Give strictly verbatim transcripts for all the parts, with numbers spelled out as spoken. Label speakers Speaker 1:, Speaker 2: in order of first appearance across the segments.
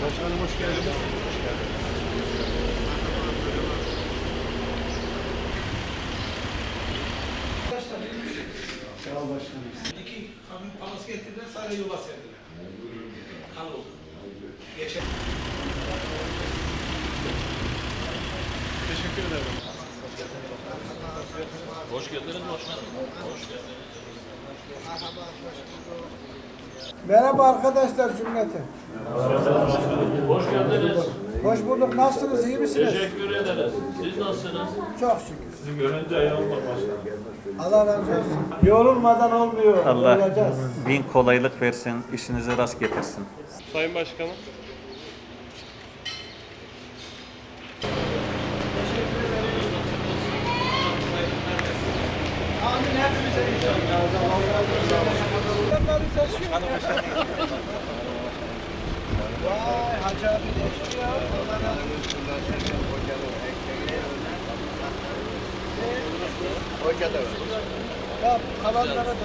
Speaker 1: Başkanım hoş geldiniz. Hoş geldiniz. Sağ ol başkanım.
Speaker 2: İki kamyon palas getirdiler, sadece yola serdiler. Hal oldu. Geçen.
Speaker 1: Teşekkür ederim.
Speaker 3: Hoş geldiniz başkanım. Hoş geldiniz.
Speaker 4: Merhaba arkadaşlar cümlete.
Speaker 3: Hoş geldiniz.
Speaker 4: Hoş bulduk. Nasılsınız? İyi misiniz?
Speaker 3: Teşekkür ederiz. Siz nasılsınız?
Speaker 4: Çok şükür.
Speaker 3: Sizi görünce iyi olmak başkanım.
Speaker 4: Allah razı olsun. Yorulmadan olmuyor.
Speaker 5: Allah
Speaker 4: Olacağız.
Speaker 5: bin kolaylık versin, işinize rast getirsin.
Speaker 1: Sayın Başkanım.
Speaker 4: Amin hepimize inşallah. Vay Hacı abi geçti ya. Allah razı olsun.
Speaker 6: Hoca da var.
Speaker 4: Ya kalanlara da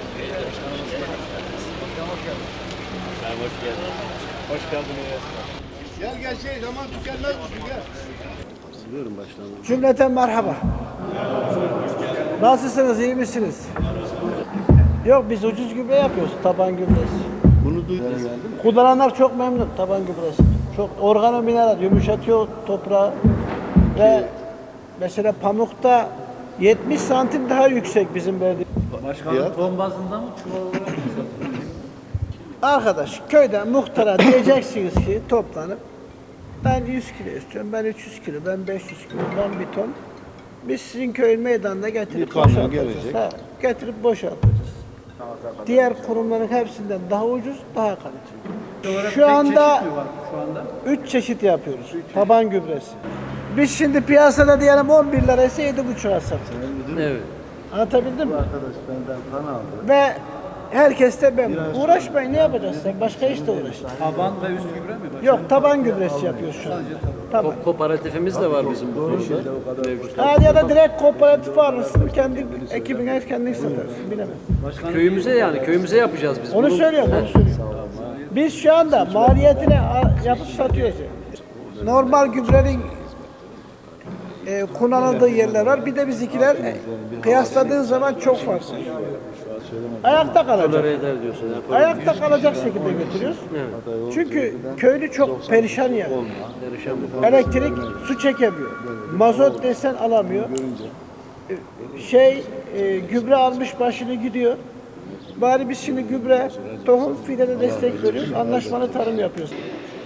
Speaker 3: Sen hoş geldin.
Speaker 1: Hoş geldiniz.
Speaker 6: Gel gel şey zaman tükenmez misin gel.
Speaker 4: Cümleten merhaba. Nasılsınız? İyi misiniz? Yok biz ucuz gübre yapıyoruz. Taban gübresi.
Speaker 6: Bunu duydum.
Speaker 4: Kullananlar çok memnun taban gübresi. Çok organo mineral yumuşatıyor toprağı ve mesela pamukta yetmiş santim daha yüksek bizim verdiğimiz.
Speaker 3: Başkanım ton bazında mı çuval olarak mı satılıyor?
Speaker 4: Arkadaş köyden muhtara diyeceksiniz ki toplanıp ben yüz kilo istiyorum, ben üç yüz kilo, ben beş yüz kilo, ben bir ton. Biz sizin köyün meydanına getirip
Speaker 6: Bir kamyon
Speaker 4: boşaltacağız.
Speaker 6: gelecek.
Speaker 4: Ha, getirip boşaltacağız. Diğer kurumların hepsinden daha ucuz, daha kaliteli. Şu anda üç çeşit yapıyoruz. Taban gübresi. Biz şimdi piyasada diyelim on bir liraysa yedi buçuğa satıyoruz.
Speaker 3: Evet.
Speaker 4: Anlatabildim mi?
Speaker 6: Arkadaş benden kan aldı.
Speaker 4: Ve herkes de ben. Uğraşmayın, ne yapacağız sen? Başka işte uğraş.
Speaker 3: Taban ve üst gübre mi?
Speaker 4: Yok, taban gübresi yapıyoruz şu an. Taban.
Speaker 3: Ko- kooperatifimiz de var bizim bu konuda. Mevcut.
Speaker 4: Ha, ya da direkt kooperatif alırsın, kendi ekibine kendin satarsın, bilemem.
Speaker 3: Köyümüze yani köyümüze yapacağız biz.
Speaker 4: Onu
Speaker 3: Bunu-
Speaker 4: söylüyorum, onu söylüyorum. Biz şu anda maliyetini a- yapıp satıyoruz. yani. Normal gübrenin e, kullanıldığı yerler var. Bir de bizimkiler e, kıyasladığın zaman çok farklı. Ayakta kalacak.
Speaker 3: Tolere eder diyorsun. Yani.
Speaker 4: Ayakta kalacak şekilde götürüyoruz. Çünkü köylü çok perişan yani.
Speaker 3: Perişan bu.
Speaker 4: Elektrik su çekemiyor. Mazot desen alamıyor. Şey e, gübre almış başını gidiyor. Bari biz şimdi gübre, tohum, fidene destek veriyoruz. Anlaşmalı tarım yapıyoruz.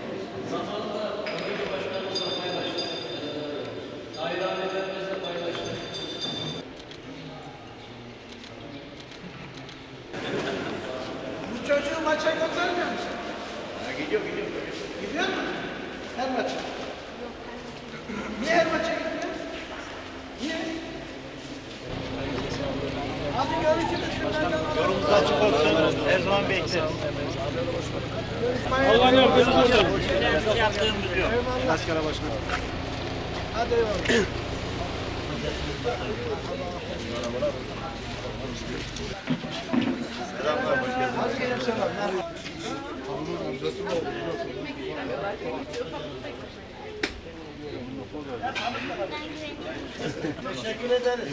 Speaker 4: Bu çocuğu maça göndermiyor musun?
Speaker 6: Gidiyor gidiyor.
Speaker 4: Gidiyor mu? Her maça. Niye her maça gitmiyor? Niye? Hadi görüşürüz.
Speaker 6: Yolumuz açık olsun. Her zaman bekleriz.
Speaker 1: Allah yardımcınız olsun.
Speaker 6: Yaptığımız yok.
Speaker 1: Askara başkanım.
Speaker 4: Hadi eyvallah.
Speaker 6: Selamlar hoş geldiniz.
Speaker 4: Hadi gelin selamlar. Teşekkür ederiz.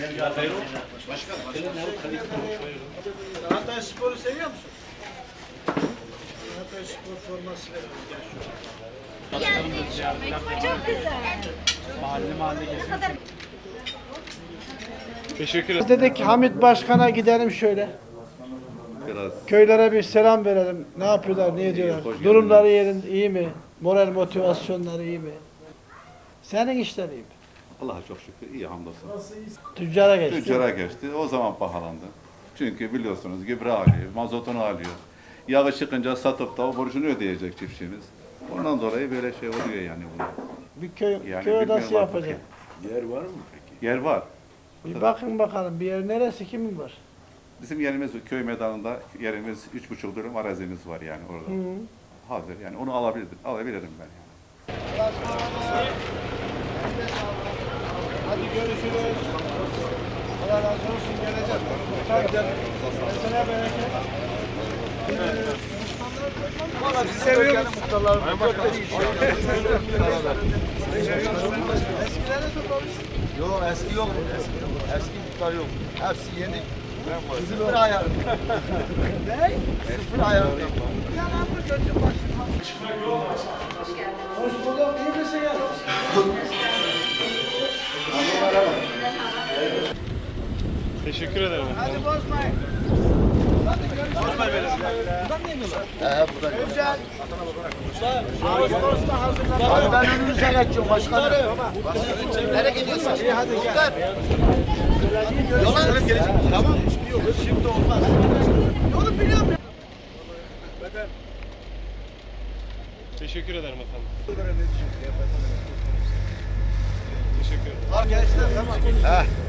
Speaker 4: Hatay Spor'u seviyor musun? Hatay Spor forması verelim. Gel şu.
Speaker 7: Çok güzel.
Speaker 1: Mahalle mahalle geziyor. Teşekkür ederim.
Speaker 4: Biz dedik Hamit Başkan'a gidelim şöyle.
Speaker 6: Biraz
Speaker 4: Köylere bir selam verelim. Ne yapıyorlar, ne ediyorlar?
Speaker 6: hoş
Speaker 4: Durumları yerinde iyi mi? Moral motivasyonları iyi mi? Senin işler iyi mi?
Speaker 8: Allah'a çok şükür iyi hamdolsun.
Speaker 4: Tüccara geçti.
Speaker 8: Tüccara geçti. O zaman pahalandı. Çünkü biliyorsunuz gübre alıyor, mazotunu alıyor. Yağı çıkınca satıp da o borcunu ödeyecek çiftçimiz. Ondan dolayı böyle şey oluyor yani bunlar.
Speaker 4: Bir köy,
Speaker 8: Yani
Speaker 4: köy odası
Speaker 8: bilmiyorum artık
Speaker 4: yapacak.
Speaker 8: Yer var mı peki? Yer var.
Speaker 4: Bir bakın bakalım bir yer neresi, kimin var?
Speaker 8: Bizim yerimiz köy meydanında yerimiz üç buçuk dönüm arazimiz var yani orada.
Speaker 4: Hı.
Speaker 8: Hazır yani onu alabilirim, alabilirim ben yani.
Speaker 4: Hadi görüşürüz. Allah razı olsun, geleceğim. Tabii. Mesela bereket.
Speaker 1: Sizi seviyoruz.
Speaker 7: Yok eski yok. Eski, eski muhtar yok. Hepsi yeni. Sıfır ayarında. Ne? Sıfır ayarında.
Speaker 4: Hoş bulduk. İyi misiniz?
Speaker 1: Teşekkür ederim.
Speaker 4: Hadi bozmayın.
Speaker 7: He burada. Güzel. Hadi ben önünüze geçiyorum başkanım. Nereye gidiyorsun? İyi hadi gel. Yola gelecek. Tamam. Şimdi olmaz. Yolu biliyorum.
Speaker 1: Teşekkür ederim efendim. Teşekkür ederim.
Speaker 7: Gençler tamam. He.